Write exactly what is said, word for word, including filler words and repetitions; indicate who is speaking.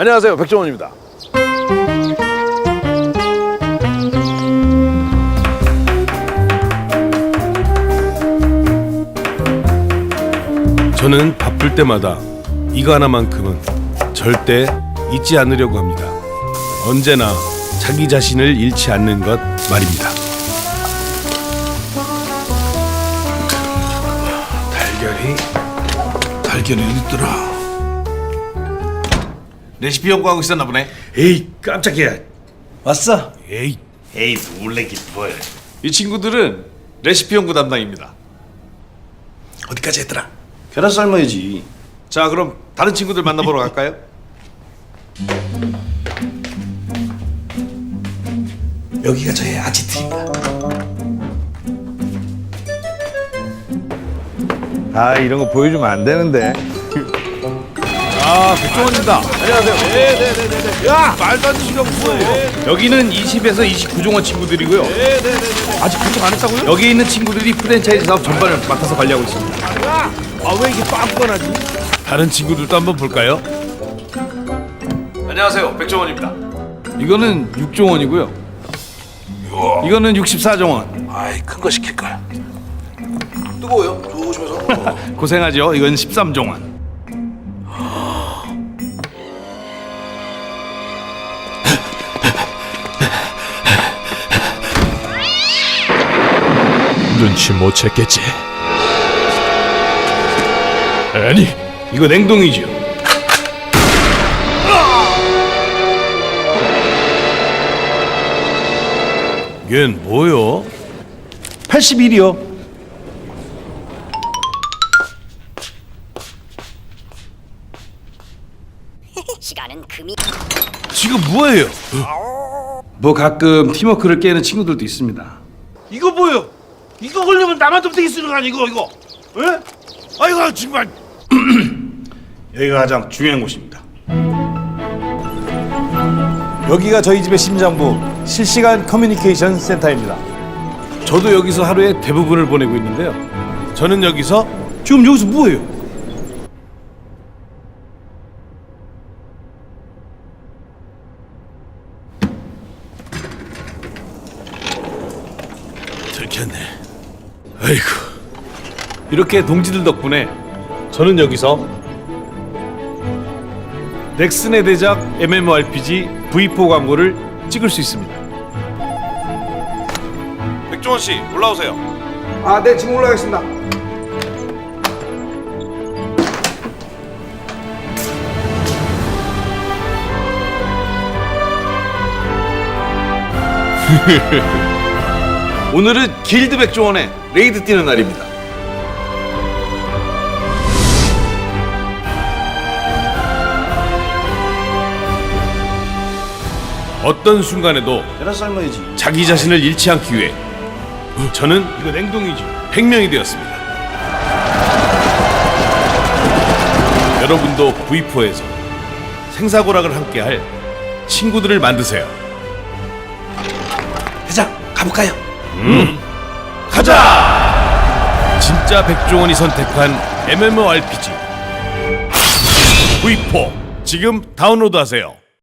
Speaker 1: 안녕하세요, 백종원입니다.
Speaker 2: 저는 바쁠 때마다 이거 하나만큼은 절대 잊지 않으려고 합니다. 언제나 자기 자신을 잃지 않는 것 말입니다.
Speaker 3: 달걀이 달걀이 어디 있더라? 레시피 연구하고 있었나 보네.
Speaker 2: 에이 깜짝이야.
Speaker 3: 왔어?
Speaker 2: 에이
Speaker 3: 에이 놀래긴 뭘. 이 친구들은 레시피 연구 담당입니다. 어디까지 했더라?
Speaker 1: 계란 삶아야지.
Speaker 3: 자, 그럼 다른 친구들 만나보러 갈까요?
Speaker 4: 여기가 저의 아지트입니다.
Speaker 1: 아, 이런 거 보여주면 안 되는데.
Speaker 3: 아, 백종원입니다. 안녕하세요. 네네네네. 야, 말도 안 되는 뭐예요?
Speaker 2: 여기는 이십에서 이십구 종원 친구들이고요.
Speaker 3: 아직 구독 안 했다고요?
Speaker 2: 여기 있는 친구들이 프랜차이즈 사업 전반을 맡아서 관리하고 있습니다.
Speaker 3: 아, 왜 이렇게 뻔뻔하지?
Speaker 2: 다른 친구들도 한번 볼까요?
Speaker 3: 안녕하세요, 백종원입니다.
Speaker 2: 이거는 육 종원이고요. 이거는 육십사 종원.
Speaker 4: 아이, 큰 거 시킬 걸.
Speaker 3: 뜨거워요? 조심해서.
Speaker 2: 고생하죠. 이건 십삼 종원.
Speaker 5: 눈치 못 챘겠지. 아니,
Speaker 2: 이거 냉동이죠. 얜 뭐요?
Speaker 1: 팔십일이요.
Speaker 6: 시간은 금이
Speaker 2: 지금 뭐예요? 뭐 가끔 팀워크를 깨는 친구들도 있습니다.
Speaker 3: 이거 뭐예요? 이거 걸리면 나만 좀 되게 쓰는 거 아니고 이거? 예? 아이고 정말.
Speaker 2: 여기가 가장 중요한 곳입니다.
Speaker 1: 여기가 저희 집의 심장부, 실시간 커뮤니케이션 센터입니다.
Speaker 2: 저도 여기서 하루에 대부분을 보내고 있는데요. 저는 여기서 지금 여기서 뭐예요?
Speaker 5: 들켰네.
Speaker 2: 아이고. 이렇게 동지들 덕분에 저는 여기서 넥슨의 대작 엠엠오알피지 브이포 광고를 찍을 수 있습니다.
Speaker 3: 백종원 씨 올라오세요.
Speaker 1: 아, 네, 지금 올라가겠습니다.
Speaker 3: 오늘은 길드 백종원의 레이드 뛰는 날입니다.
Speaker 2: 어떤 순간에도
Speaker 1: 계란 삶아야지.
Speaker 2: 자기 자신을 잃지 않기 위해 저는 이거 냉동이죠. 백명이 되었습니다. 여러분도 브이포에서 생사고락을 함께할 친구들을 만드세요.
Speaker 4: 회장, 가볼까요?
Speaker 2: 가자! 진짜 백종원이 선택한 엠엠오알피지 브이포 지금 다운로드하세요.